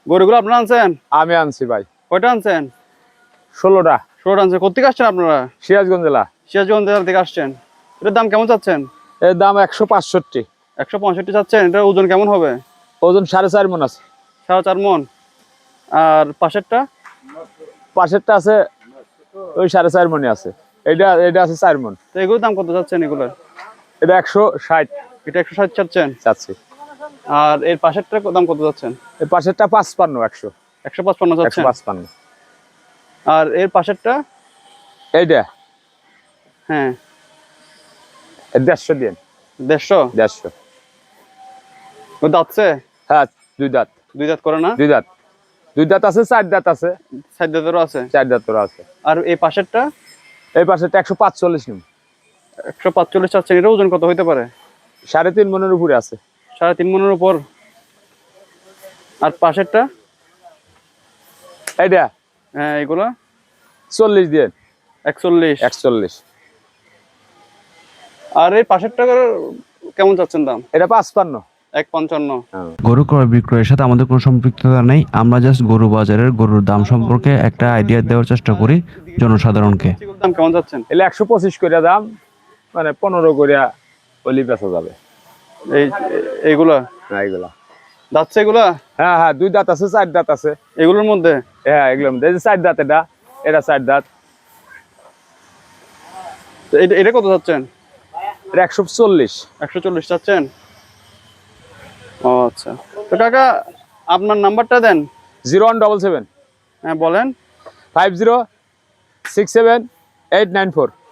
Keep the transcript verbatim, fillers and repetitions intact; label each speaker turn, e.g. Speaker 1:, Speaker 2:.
Speaker 1: গরুগুলো আপনারা আনছেন?
Speaker 2: আমি আনছি ভাই।
Speaker 1: কয়টা আনছেন?
Speaker 2: ষোলোটা।
Speaker 1: ষোলোটা আনছেন। কোথেকে আসছেন আপনারা?
Speaker 2: সিরাজগঞ্জ জেলা।
Speaker 1: সিরাজগঞ্জ জেলা থেকে আসছেন। এটার দাম কেমন চাচ্ছেন?
Speaker 2: এর দাম একশো পাঁচষট্টি।
Speaker 1: একশো পঁয়ষট্টি চাচ্ছেন। এটার ওজন কেমন হবে?
Speaker 2: ওজন সাড়ে চার মন আছে।
Speaker 1: সাড়ে চার মন। আর পাশেরটা?
Speaker 2: পাশেরটা আছে ওই সাড়ে চার মনে আছে। এটা এটা আছে চার মন।
Speaker 1: তো এগুলোর দাম কত চাচ্ছেন এগুলোর?
Speaker 2: এটা একশো ষাট।
Speaker 1: এটা একশো ষাট চাচ্ছেন?
Speaker 2: চাচ্ছি।
Speaker 1: আর এর পাশেরটা দাম কত চাচ্ছেন?
Speaker 2: এই পাশেরটা পাঁচপান্ন। একশো
Speaker 1: একশো পাঁচপান্ন
Speaker 2: একশো
Speaker 1: চাচ্ছেন।
Speaker 2: পাঁচপান্ন।
Speaker 1: আর এর পাশেরটা?
Speaker 2: এইটা
Speaker 1: হ্যাঁ
Speaker 2: দেড়শো দিন।
Speaker 1: দেড়শো।
Speaker 2: দেড়শো।
Speaker 1: ও দাঁতছে?
Speaker 2: হ্যাঁ দুই দাঁত।
Speaker 1: দুই দাঁত করে না?
Speaker 2: দুই দাঁত। দুই দাঁত আছে, চার দাঁত আছে।
Speaker 1: চার দাঁতেরও আছে?
Speaker 2: চার দাঁতেরও আছে।
Speaker 1: আর এই পাশেরটা?
Speaker 2: এই পাশেরটা একশো পাঁচচল্লিশ নিম।
Speaker 1: একশো পাঁচচল্লিশ চাচ্ছেন। এটা ওজন কত হইতে পারে?
Speaker 2: সাড়ে তিন মনের উপরে আছে।
Speaker 1: সাড়ে তিন মনের উপর। আর পাশেরটা?
Speaker 2: এইটা
Speaker 1: হ্যাঁ এগুলা?
Speaker 2: চল্লিশ দিন।
Speaker 1: একচল্লিশ।
Speaker 2: একচল্লিশ।
Speaker 1: আর এই পাশেরটা কেমন চাচ্ছেন দাম?
Speaker 2: এটা পাঁচপান্ন।
Speaker 1: এক পঞ্চান্ন।
Speaker 3: গরু ক্রয় বিক্রয়ের সাথে আমাদের কোনো সম্পৃক্ততা নেই। আমরা জাস্ট গরু বাজারের গরুর দাম সম্পর্কে একটা আইডিয়া দেওয়ার চেষ্টা করি জনসাধারণকে।
Speaker 1: দাম কেমন যাচ্ছেন?
Speaker 2: এলে একশো পঁচিশ করে দাম, মানে পনেরো করে ওলি বেচা যাবে।
Speaker 1: এই এইগুলা?
Speaker 2: হ্যাঁ এগুলা
Speaker 1: দাঁতছে এগুলা?
Speaker 2: হ্যাঁ হ্যাঁ দুই দাঁত আছে, চার দাঁত আছে
Speaker 1: এগুলোর মধ্যে?
Speaker 2: হ্যাঁ এগুলোর মধ্যে। এই যে চার দাঁত, এটা এটা চার দাঁত।
Speaker 1: এটা এটা কত চাচ্ছেন?
Speaker 2: এটা একশো চল্লিশ।
Speaker 1: একশো চল্লিশ চাচ্ছেন? ও আচ্ছা। তো কাকা আপনার নাম্বারটা দেন।
Speaker 2: জিরো ওয়ান ডবল সেভেন
Speaker 1: হ্যাঁ বলেন।
Speaker 2: Five zero six seven eight nine four.